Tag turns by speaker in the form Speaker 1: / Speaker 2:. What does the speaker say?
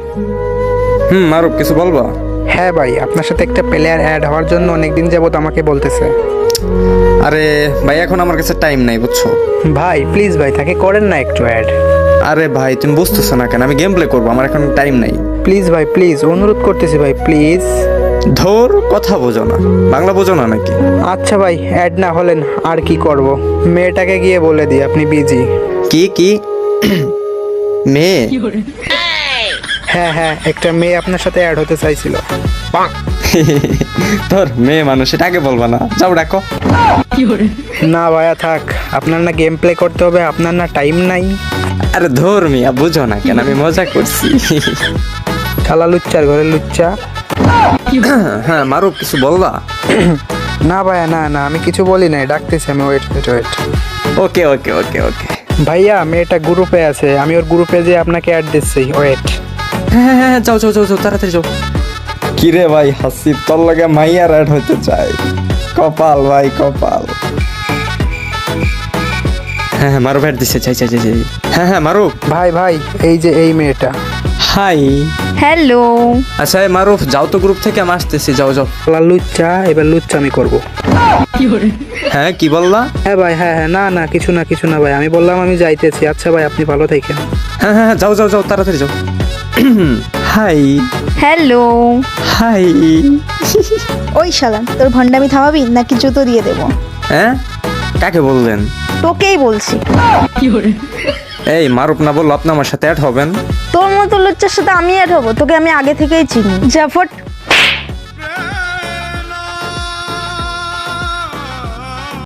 Speaker 1: মারুফ কিছু বলবা?
Speaker 2: হ্যাঁ ভাই, আপনার সাথে একটা প্লেয়ার অ্যাড হওয়ার জন্য অনেকদিন যাবত আমাকে বলতেছে।
Speaker 1: আরে ভাই এখন আমার কাছে টাইম নাই বুঝছো।
Speaker 2: ভাই প্লিজ ভাই, তাকে করেন না একটু অ্যাড।
Speaker 1: আরে ভাই তুমি বুঝতেছো না কেন, আমি গেম প্লে করবো, আমার এখন টাইম নাই।
Speaker 2: প্লিজ ভাই প্লিজ, অনুরোধ করতেছি ভাই প্লিজ।
Speaker 1: ধর কথা বোঝো না, বাংলা বোঝো না নাকি?
Speaker 2: আচ্ছা ভাই, অ্যাড না হলেন আর কি করব, মেয়েটাকে গিয়ে বলে দিই আপনি বিজি।
Speaker 1: কি মেয়ে?
Speaker 2: হ্যাঁ হ্যাঁ, একটা মেয়ে আপনার সাথে অ্যাড হতে চাইছিল।
Speaker 1: তোর মেয়ে মানুষ, এটা আগে বলবা না, যাও ডাকো।
Speaker 2: না ভাইয়া থাক, আপনার না গেম প্লে করতে হবে, আপনার না টাইম নাই।
Speaker 1: আরে ধর মিয়া, বুঝো না কেন, আমি মজা করছি।
Speaker 2: শালা লুচ্চার ঘরে লুচ্চা।
Speaker 1: হ্যাঁ মারুফ কিছু বলবা?
Speaker 2: না ভাইয়া না না, আমি কিছু বলি নাই, ডাকতেছি আমি, wait wait wait.
Speaker 1: Okay okay okay okay.
Speaker 2: ভাইয়া মেয়েটা গ্রুপে আছে, আমি ওর গ্রুপে যে আপনাকে অ্যাড দিচ্ছি, ওয়েট।
Speaker 1: হ্যাঁ যাও যাও যাও যাও, তাড়াতাড়ি যাও। কিরে ভাই হাসি, তোর লাগে মাইয়ার অ্যাড হইতে চাই, কপাল ভাই কপাল। হ্যাঁ মারুফ অ্যাড দিছে, চাই চাই চাই চাই। হ্যাঁ মারুফ।
Speaker 2: ভাই ভাই, এই যে এই মেয়েটা।
Speaker 1: হাই।
Speaker 3: হ্যালো।
Speaker 1: আচ্ছা মারুফ যাও তো গ্রুপ থেকে, আমি আসতেছি, যাও যাও।
Speaker 2: শালা লুচ্চা, এবার লুচ্চা আমি করবো।
Speaker 1: হ্যাঁ কি বললা?
Speaker 2: হ্যাঁ ভাই হ্যাঁ হ্যাঁ, না না কিছু না কিছু না ভাই, আমি বললাম আমি যাইতেছি। আচ্ছা ভাই আপনি ভালো থাকেন।
Speaker 1: হ্যাঁ যাও যাও যাও, তাড়াতাড়ি যাও। Hi
Speaker 3: hello.
Speaker 1: হাই।
Speaker 3: ওই শালা, তোর ভণ্ডামি থামাবি নাকি জুতো দিয়ে দেবো?
Speaker 1: হ্যাঁ কাকে বললেন?
Speaker 3: তোকেই বলছি।
Speaker 1: এই মারুফ না বললো আপনি আমার সাথে অ্যাড হবেন?
Speaker 3: তোর মতো লুচ্চার সাথে আমি অ্যাড হবো? তোকে আমি আগে থেকেই চিনি। জাফট।